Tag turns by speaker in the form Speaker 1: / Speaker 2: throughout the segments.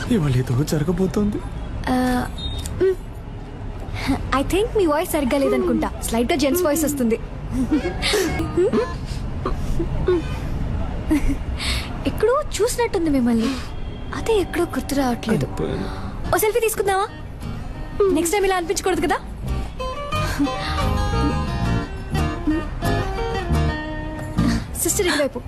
Speaker 1: ఇవాళ ఏదో జరగబోతోంది.
Speaker 2: ఐ థింక్ మీ వాయిస్ సరిగ్గా లేదనుకుంటా. స్లైట్ గా జెంట్స్ వాయిస్ వస్తుంది. ఎక్కడో చూసినట్టుంది మిమ్మల్ని, అదే ఎక్కడో గుర్తు రావట్లేదు. ఓ సెల్ఫీ తీసుకుందామా? నెక్స్ట్ టైం ఇలా అనిపించకూడదు కదా. సిస్టర్ ఇటువైపు,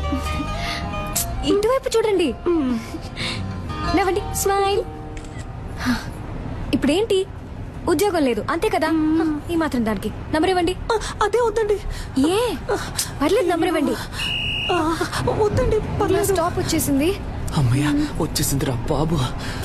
Speaker 2: ఇటువైపు చూడండి. నవ్వండి, స్మైల్. ఇప్పుడేంటి, ఉద్యోగం లేదు అంతే కదా, ఈ మాత్రం దానికి నంబర్ ఇవ్వండి.
Speaker 3: అదే వద్దండి.
Speaker 2: ఏ పర్లేదు, నంబర్ ఇవ్వండి.
Speaker 3: వద్దండి, పర్లేదు.
Speaker 2: స్టాప్ వచ్చేసింది.
Speaker 1: అమ్మయ్య వచ్చేసిందిరా బాబు.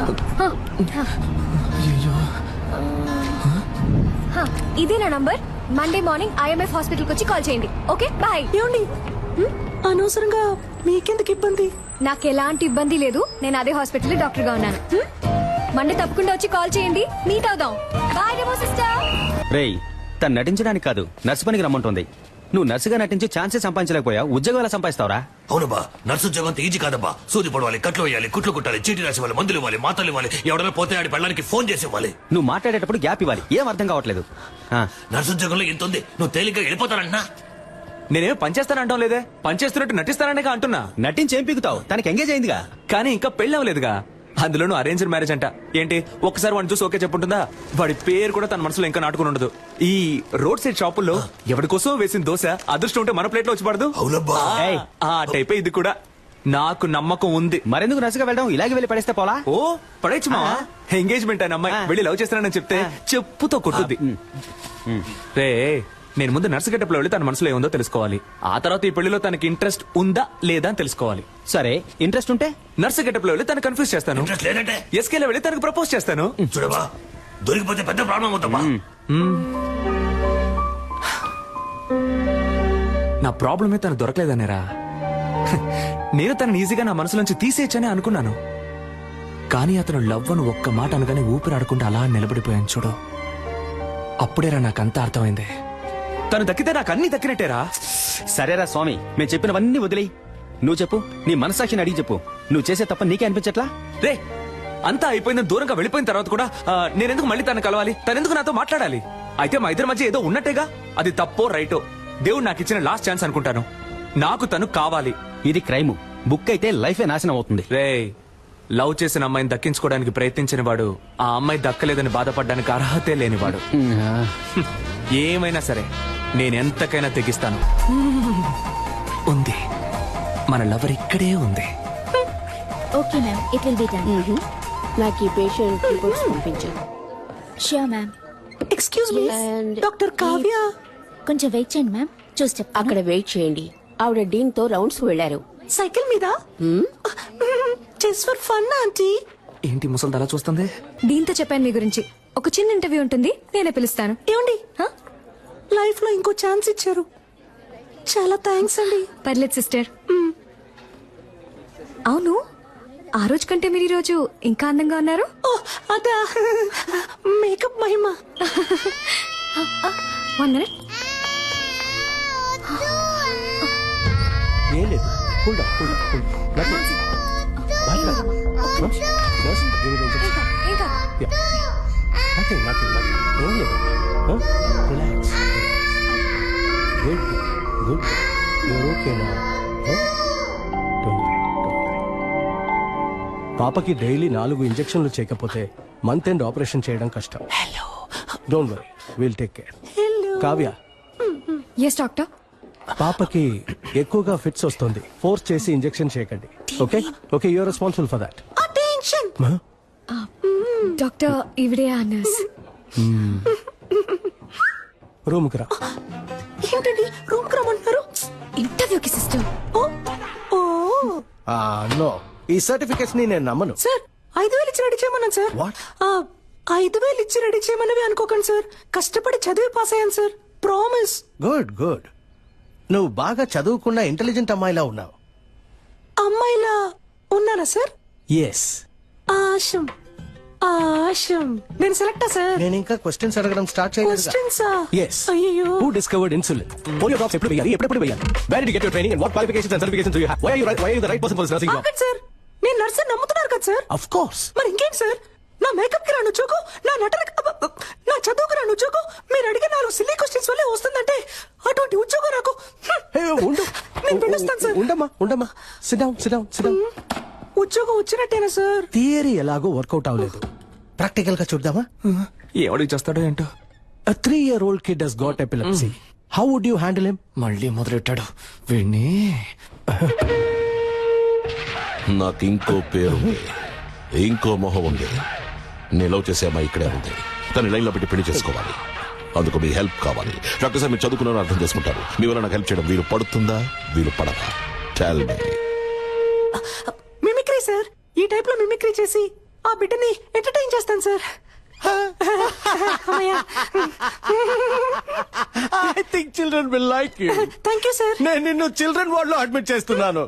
Speaker 2: ఇదే నా నంబర్. మండే మార్నింగ్ IMF హాస్పిటల్కి వచ్చి కాల్ చేయండి. Okay bye.
Speaker 3: ఏమండి, అనవసరంగా మీకెందుకు ఇబ్బంది?
Speaker 2: నాకు ఎలాంటి ఇబ్బంది లేదు. నేను అదే హాస్పిటల్ డాక్టర్ గా ఉన్నాను. మండే తప్పకుండా వచ్చి కాల్ చేయండి, మీట్ అవుదాం. బాయ్ డెమో సిస్టర్.
Speaker 4: రేయ్, తను నటించడానికి కాదు, నర్సు పనికి రమ్మంటుంది. నువ్వు నర్సుగా నటించి ఛాన్సే సంపాదించలేకపోయా, ఉద్యోగం ఎలా సంపాదిస్తావురా?
Speaker 5: అవునబ్బా, నర్సు ఉద్యోగం అంత ఈజీ కాదబ్బా. సూది పడవాలి, కట్లు వేయాలి, కుట్లు కుట్టాలి, చీటీ రాసి ఇవ్వాలి, మందులు ఇవ్వాలి, మాతలు ఇవ్వాలి, ఎవడైనా పోతే ఆడి పెళ్ళడానికి ఫోన్ చేసి ఇవ్వాలి.
Speaker 4: నువ్వు మాట్లాడేటప్పుడు గ్యాప్ ఇవ్వాలి. ఏం అర్థం కావట్లేదు.
Speaker 5: నర్సు ఉద్యోగంలో ఎంత ఉంది, నువ్వు తేలిగ్గా వెళ్ళిపోతానంటున్నా.
Speaker 1: నేనేం పనిచేస్తానంటాం లేదే, పనిచేస్తున్నట్టు నటిస్తాననే అంటున్నా.
Speaker 4: నటించి ఏం పీకుతావు? తనకి ఎంగేజ్ అయిందిగా.
Speaker 1: కానీ ఇంకా పెళ్ళి అవ్వలేదుగా. అందులోనూ అరేంజ్డ్ మ్యారేజ్ అంట. ఏంటి ఒక్కసారి వాడిని చూసి ఓకే చెప్పుంటుందా? వాడి పేరు కూడా తన మనసులో ఇంకా నాటుకుని ఉండదు. ఈ రోడ్ సైడ్ షాపుల్లో ఎవరి కోసం వేసిన దోశ అదృష్టం ఉంటే మన ప్లేట్ లో వచ్చి పడదు.
Speaker 5: అవునబ్బా,
Speaker 1: ఆ టైపే ఇది కూడా. నాకు నమ్మకం ఉంది.
Speaker 4: మరెందుకు నర్సుగా వెళ్ళడం? ఇలాగే వెళ్ళి పడేస్తే పోలా?
Speaker 1: ఓ పడేచ్చు మావా. ఎంగేజ్మెంట్ అయిన అమ్మాయి వెళ్ళి లవ్ చేస్తానని చెప్తే చెప్పుతో కొట్టుద్ది. రే, నేను ముందు నర్సు గెటప్ లో వెళ్ళి తన మనసులో ఏముందో తెలుసుకోవాలి. ఆ తర్వాత ఈ పెళ్లిలో తనకి ఇంట్రెస్ట్ ఉందా లేదా అని తెలుసుకోవాలి.
Speaker 4: సరే, ఇంట్రెస్ట్ ఉంటే
Speaker 1: నర్సు గెటప్ లో వెళ్ళి తను కన్ఫ్యూజ్ చేస్తాను.
Speaker 5: ఇంట్రెస్ట్ లేదంటే
Speaker 1: ఎస్కేలో వెళ్ళి తనకు ప్రపోజ్ చేస్తాను.
Speaker 5: చూడబా, దొరికిపోతే పెద్ద ప్రాబ్లం అవుతావా?
Speaker 1: నా ప్రాబ్లమే తను దొరకలేదనేరా. నేను తనని ఈజీగా నా మనసులోంచి తీసేయచ్చని అనుకున్నాను. కానీ అతను లవ్ అని ఒక్క మాట అనగానే ఊపిరాడకుండా అలా నిలబడిపోయాను చూడు. అప్పుడేరా నాకంతా అర్థమైంది. తను దక్కితే నాకు అన్ని దక్కినట్టేరా.
Speaker 4: సరేరా స్వామి, మేము చెప్పినవన్నీ వదిలేయి. నువ్వు చెప్పు, నీ మనసాక్షిని అడిగి చెప్పు. నువ్వు చేసే తప్ప నీకే అనిపించట్లా?
Speaker 1: రే, అంతా అయిపోయిందని దూరంగా వెళ్ళిపోయిన తర్వాత కూడా నేనెందుకు మళ్ళీ తను కలవాలి? తనెందుకు నాతో మాట్లాడాలి? అయితే మా ఇద్దరి మధ్య ఏదో ఉన్నట్టేగా. అది తప్పో రైటో దేవుడు నాకు ఇచ్చిన లాస్ట్ ఛాన్స్ అనుకుంటాను. నాకు తను కావాలి.
Speaker 4: ఇది క్రైమ్. బుక్ అయితే లైఫే నాశనం అవుతుంది.
Speaker 1: రే, లవ్ చేసిన అమ్మాయిని దక్కించుకోవడానికి ప్రయత్నించిన వాడు ఆ అమ్మాయి దక్కలేదని బాధపడడానికి అర్హతే లేనివాడు. ఏమైనా సరే నేనెంతకైనా తెగిస్తాను. ఉంది, మన లవర్ ఇక్కడే ఉంది.
Speaker 6: Okay ma'am, it will be done.
Speaker 7: నాకు ఈ పేషెంట్ రిపోర్ట్స్ పంపించాను.
Speaker 6: Sure ma'am.
Speaker 3: Excuse me, doctor Kavya.
Speaker 6: కొంచెం వెయిట్ చేయండి మ్యామ్, చూసి చెప్తాను.
Speaker 7: అక్కడ వెయిట్ చేయండి. ఆవిడ డీన్ తో రౌండ్స్ వెళ్లారు.
Speaker 3: సైకిల్ మీద? Just for fun aunty.
Speaker 1: ఏంటి ముసలి అలా చూస్తుంది?
Speaker 2: దీంతో చెప్పాను మీ గురించి. ఒక చిన్న ఇంటర్వ్యూ ఉంటుంది, నేనే పిలుస్తాను.
Speaker 3: ఏమండి, లైఫ్ లో ఇంకో ఛాన్స్ ఇచ్చారు, చాలా థ్యాంక్స్ అండి.
Speaker 2: పర్లేదు సిస్టర్. అవును, ఆ రోజు కంటే మీరు ఈ రోజు ఇంకా అందంగా ఉన్నారు.
Speaker 3: ఓ అదా, మేకప్ మహిమ.
Speaker 2: 1 minute.
Speaker 8: ఏం లేదు, cool down, cool down, cool down.
Speaker 2: ఇంకా
Speaker 8: నథింగ్, నథింగ్, నథింగ్. ఏం లేదు, relax. Good good, you're okay now. పాపకి డైలీ 4 ఇంజెక్షన్లు చేయకపోతే మంత్ ఎండ్ ఆపరేషన్ చేయడం కష్టం. Don't worry, will take care. Kavya.
Speaker 2: Yes doctor.
Speaker 8: పాపకి ఎక్కువగా ఫిట్స్ వస్తుంది, ఫోర్స్ చేసి ఇంజెక్షన్ చేయకండి. Okay okay, you're responsible for that.
Speaker 3: Attention.
Speaker 2: Doctor, ఇవిడే ఆ నర్స్.
Speaker 8: రూమ్ కి రా.
Speaker 3: ఏంటండి రూమ్ కి రమ్మంటున్నారు?
Speaker 2: ఇంటర్వ్యూకి సిస్టర్.
Speaker 8: నో, ఈ సర్టిఫికెట్స్ ని నేను నమ్మను.
Speaker 3: సార్, 5,000 ఇచ్చి రెడీ చేయమన్నాను సార్.
Speaker 8: What?
Speaker 3: 5,000 ఇచ్చి రెడీ చేయమన్నవి అనుకోకండి సార్. కష్టపడి చదివి పాస్ అయ్యాను సార్, ప్రామిస్.
Speaker 8: Good good. నువ్వు బాగా చదువుకున్న ఇంటెలిజెంట్ అమ్మాయిలా ఉన్నావు.
Speaker 3: అమ్మాయిలా ఉన్నారా సార్?
Speaker 8: ఎస్.
Speaker 3: ఆశం ఆశం. నేను సెలెక్టా సార్?
Speaker 8: నేను ఇంకా క్వశ్చన్స్ అడగడం స్టార్ట్ చేయలేదు.
Speaker 3: క్వశ్చన్సా?
Speaker 8: Yes.
Speaker 3: అయ్యో.
Speaker 8: Who discovered insulin? Polio drops ఎప్పుడు వేయాలి, ఎప్పుడెప్పుడు వేయాలి? Where did you get your training and what qualifications and certifications do you have? Why are you the right person for this nursing job?
Speaker 3: ఆగండి sir, నేను nurse నమ్ముతున్నారు కదా sir?
Speaker 8: Of course.
Speaker 3: మరి ఇంకేం సార్? నా మేకప్ కి రాను చోకు, నా నా చదువుకు రాను చోకు, మీరు అడిగే 4 సిల్లీ క్వశ్చన్స్ వల్లే వస్తుందంటే అటువంటి ఉద్యోగం నాకు.
Speaker 8: ఉండు.
Speaker 3: నేను పిలుస్తాను సార్.
Speaker 8: ఉండమ్మా. Sit down.
Speaker 3: ఉద్యోగం వచ్చినట్టేనా సార్?
Speaker 8: థియరీ ఎలాగో వర్కౌట్ అవ్వలేదు. ప్రాక్టికల్ గా చూద్దామా?
Speaker 1: ఎవడికి చేస్తాడో ఏంటో.
Speaker 8: A 3-year-old kid has got epilepsy. How would you handle him?
Speaker 1: మళ్ళీ మొదలెట్టాడు వీణ్ణి.
Speaker 9: నాకు ఇంకో పేరుంది, ఇంకో మొహం ఉంది. నేను లవ్ చేసే అమ్మాయి ఇక్కడే ఉంది. తన లైన్ లో పెట్టి పెళ్లి చేసుకోవాలి. అందుకు మీ హెల్ప్ కావాలి. డాక్టర్ సార్ మీరు చదువుకున్నారని అర్థం చేసుకుంటారు. మీ వల్ల నాకు హెల్ప్ చేయడం వీలు పడుతుందా, వీలు పడదా? Tell me.
Speaker 3: Mimicry sir. ఈ టైప్ లో మిమిక్రీ చేసి ఆ బిడ్డని ఎంటర్టైన్ చేస్తాను sir.
Speaker 8: I think children will like you.
Speaker 3: Thank you sir.
Speaker 8: నేను నిన్ను చిల్డ్రన్ వార్డ్ లో అడ్మిట్ చేస్తున్నాను.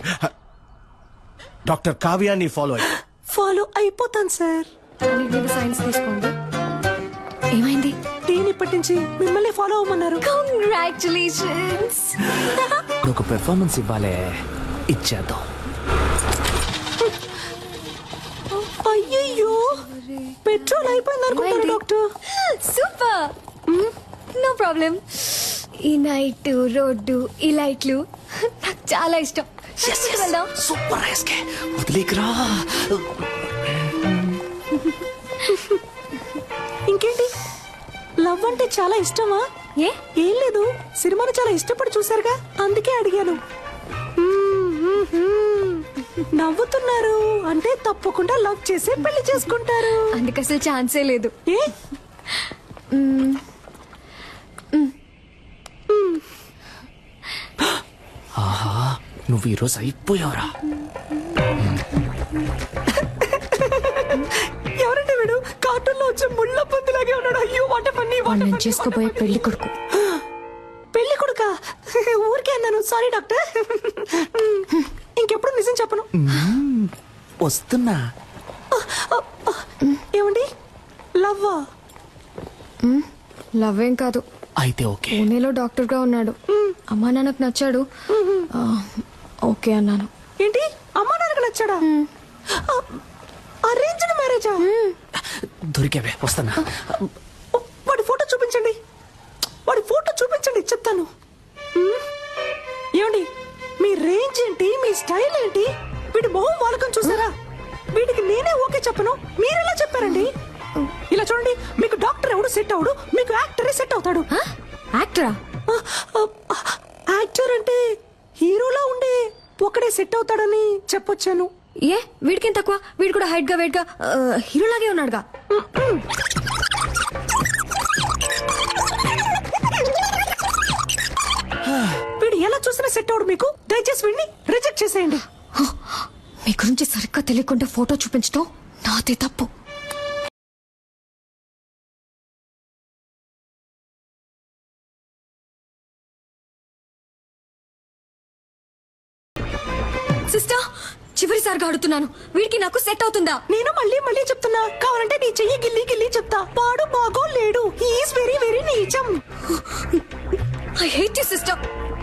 Speaker 8: డాక్టర్ కావ్యాన్ని
Speaker 3: ఫాలో అయిపోతాను సార్.
Speaker 2: సైన్స్ తీసుకోండి. ఏమైంది?
Speaker 3: టీని ఇప్పటి నుంచి మిమ్మల్ని ఫాలో అవ్వమన్నారు.
Speaker 2: కంగ్రాచులేషన్స్.
Speaker 1: ఇప్పుడు ఒక పెర్ఫార్మెన్స్ ఇవ్వాలే, ఇచ్చేద్దాం.
Speaker 3: అయ్యయ్యో, పెట్రోల్ అయిపోయింది అనుకుంటాను డాక్టర్.
Speaker 2: సూపర్. No problem. ఈ నైట్ రోడ్డు ఈ లైట్లు నాకు చాలా ఇష్టం. వెళ్దాం.
Speaker 1: సూపర్ రైస్కే వదిలేకరా.
Speaker 3: ఇంకేంటి, లవ్ అంటే చాలా ఇష్టమా?
Speaker 2: ఏ
Speaker 3: ఏం లేదు, సినిమాను చాలా ఇష్టపడి చూసారుగా, అందుకే అడిగాను. నవ్వుతున్నారు అంటే తప్పకుండా లవ్ చేసి పెళ్లి చేసుకుంటారు.
Speaker 2: అందుకు అసలు ఛాన్సే లేదు.
Speaker 3: ఏ
Speaker 1: ఆహా, నువ్వు ఈరోజు అయిపోయావురా.
Speaker 3: ఎవరంటే వీడు? కార్టూన్ లో వచ్చే ముళ్ళ పందిలాగే ఉన్నాడు. అయ్యో వాట పన్ని.
Speaker 2: నేను చేసుకోబోయే పెళ్లి కొడుకు.
Speaker 3: పెళ్లి కొడుక? ఊరికే అన్నాను, సారీ డాక్టర్. ఇంకెప్పుడు నిజం చెప్పను.
Speaker 1: వస్తున్నా.
Speaker 3: ఏమండి, లవ్వా?
Speaker 2: లవ్ ఏం కాదు.
Speaker 1: అయితే ఓకే.
Speaker 2: పూణేలో డాక్టర్ గా ఉన్నాడు. అమ్మా నాన్నకు నచ్చాడు. ఓకే అన్నాను.
Speaker 3: ఏంటి, అమ్మా నాన్నకు నచ్చాడా? అరేంజ్డ్ మ్యారేజా?
Speaker 1: దొరికావే, వస్తున్నా.
Speaker 3: వాడి ఫోటో చూపించండి, వాడి ఫోటో చూపించండి, చెప్తాను. ఏమండి, మీ రేంజ్ ఏంటి, మీ స్టైల్ ఏంటి? వీడి మొహం వాలకం చూసారా? వీడికి నేనే ఓకే చెప్పను, మీరెలా చెప్పారండి? ఇలా చూడండి, మీకు డాక్టర్ ఎవడు సెట్ అవడు, మీకు యాక్టరే సెట్ అవుతాడు.
Speaker 2: యాక్టరా?
Speaker 3: యాక్టర్ అంటే హీరోలా ఉండే ఒకడే సెట్ అవుతాడని చెప్పొచ్చాను.
Speaker 2: ఏ వీడికేం తక్కువ? వీడు కూడా హైట్ గా వెయిట్ గా హీరోలాగే ఉన్నాడుగా.
Speaker 3: వీడు ఎలా చూసినా సెట్ అవడు మీకు. దయచేసి వీడిని రిజెక్ట్ చేసేయండి.
Speaker 2: మీ గురించి సరిగ్గా తెలియకుండా ఫోటో చూపించడం నాదే తప్పు. సిస్టర్, చివరిసారిగా అడుగుతున్నాను, వీడికి నాకు సెట్ అవుతుందా?
Speaker 3: నేను మళ్ళీ మళ్ళీ చెప్తున్నా, కావాలంటే నీ చెయ్యి గిల్లి గిల్లి చెప్తా. వాడు బాగో లేడు, హీఈస్ వెరీ వెరీ నీచం.
Speaker 2: I hate you sister.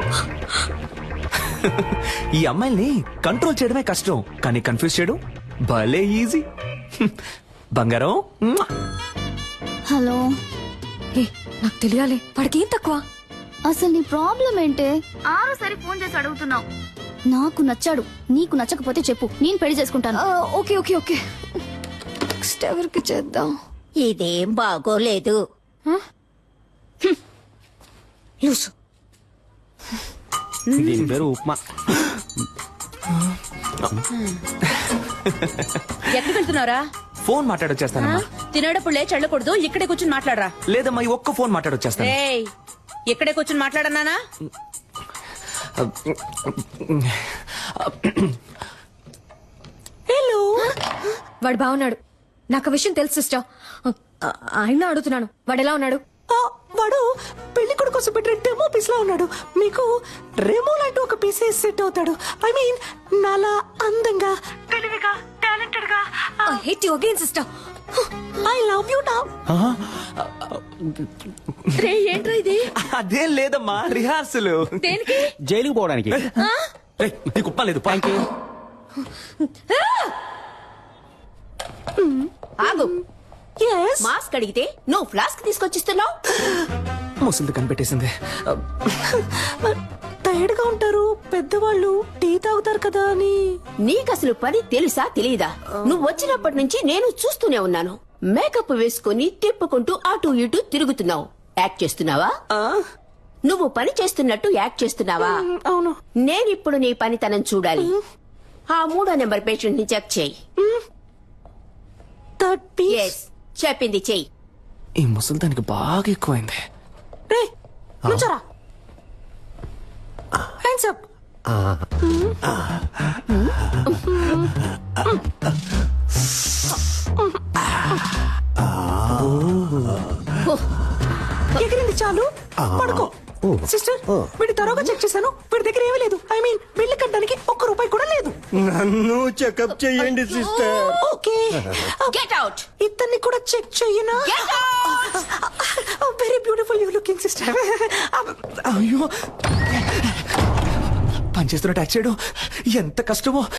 Speaker 1: ఈ అమ్మాయిల్ని కంట్రోల్ చేయడమే కష్టం, కానీ కన్ఫ్యూజ్ చేయడం భలే ఈజీ. బంగారం.
Speaker 6: హలో,
Speaker 2: ఏ నాకు తెలియాలి, వాడికి ఏం తక్కువ?
Speaker 6: అసలు నీ ప్రాబ్లం ఏంటే? ఆరోసారి ఫోన్ చేసి అడుగుతున్నావు. నాకు నచ్చాడు, నీకు నచ్చకపోతే చెప్పు, నేను పెళ్లి చేసుకుంటాను.
Speaker 2: Okay okay okay. నెక్స్ట్ ఎవరికి చేద్దాం?
Speaker 7: ఇదేం బాగోలేదు.
Speaker 2: లూసు.
Speaker 4: దీని పేరు ఉప్మా.
Speaker 7: ఎక్కడికి వెళ్తున్నారా?
Speaker 1: ఫోన్ మాట్లాడొచ్చేస్తానమ్మా.
Speaker 7: తినేటప్పుడు లేచి వెళ్ళకూడదు, ఇక్కడే కూర్చుని మాట్లాడరా.
Speaker 1: లేదమ్మా, ఈ ఒక్క ఫోన్ మాట్లాడొచ్చేస్తాను.
Speaker 7: ఏయ్, ఇక్కడే కూర్చుని మాట్లాడన్నానా?
Speaker 3: హలో.
Speaker 2: వాడు బాగున్నాడు, నాకు ఆ విషయం తెలుసు సిస్టర్. ఆయన అడుగుతున్నాను, వాడు ఎలా ఉన్నాడు?
Speaker 3: వాడు పెళ్లి కొడుకు కోసం పెట్టిన డెమో పీస్ లా ఉన్నాడు. మీకు రెమో లాంటి ఒక పీస్ సెట్ అవుతాడు. ఐ మీన్ నాలా అందంగా, తెలివిగా, టాలెంటెడ్ గా.
Speaker 2: I hate you again sister.
Speaker 3: I love you now.
Speaker 7: రే, ఏంట్రా ఇది?
Speaker 1: అదేం లేదమ్మా, రిహార్సల్.
Speaker 7: దేనికి?
Speaker 4: జైలుకి పోవడానికి.
Speaker 1: నీకు ఉప్ప లేదు.
Speaker 4: Thank you.
Speaker 7: ఆగు.
Speaker 3: Yes.
Speaker 7: మాస్క్ అడిగితే నువ్వు ఫ్లాస్క్ తీసుకొచ్చిస్తున్నావు.
Speaker 1: ముసలిది కనిపెట్టేసింది.
Speaker 3: టైర్డ్ గా ఉంటారు పెద్దవాళ్ళు, టీ తాగుతారు కదా అని.
Speaker 7: నీకసలు పని తెలుసా తెలీదా? నువ్వు వచ్చినప్పటి నుంచి నేను చూస్తూనే ఉన్నాను. మేకప్ వేసుకుని తిప్పుకుంటూ అటు ఇటు తిరుగుతున్నావు. యాక్ట్ చేస్తున్నావా? నువ్వు పని చేస్తున్నట్టు యాక్ట్ చేస్తున్నావా?
Speaker 3: అవును.
Speaker 7: నేనిప్పుడు నీ పనితనం చూడాలి. ఆ 3వ నెంబర్ పేషెంట్ ని చెక్ చేయి.
Speaker 3: 30.
Speaker 7: ఎస్, చెప్పింది చెయ్యి.
Speaker 1: ఈ ముసలిదానికి బాగా ఎక్కువైంది.
Speaker 3: రేయ్, నుంచోరా. Hands up. ఎగిరింది చాలు, పడుకో. సిస్టర్, వీడి తరోగా చెక్ చేశాను. వీడి దగ్గర ఏమీ లేదు. ఐ మీన్ బిల్లు కట్టడానికి ₹1 కూడా లేదు.
Speaker 8: నన్ను చెకప్ చేయండి సిస్టర్.
Speaker 3: Okay,
Speaker 7: get out.
Speaker 3: ఇతన్ని కూడా చెక్ చెయ్యనా?
Speaker 7: Get out.
Speaker 3: Very beautiful you looking sister.
Speaker 1: అయ్యో, పనిచేస్తున్నట్టు యాక్ట్ చేయడం ఎంత కష్టమో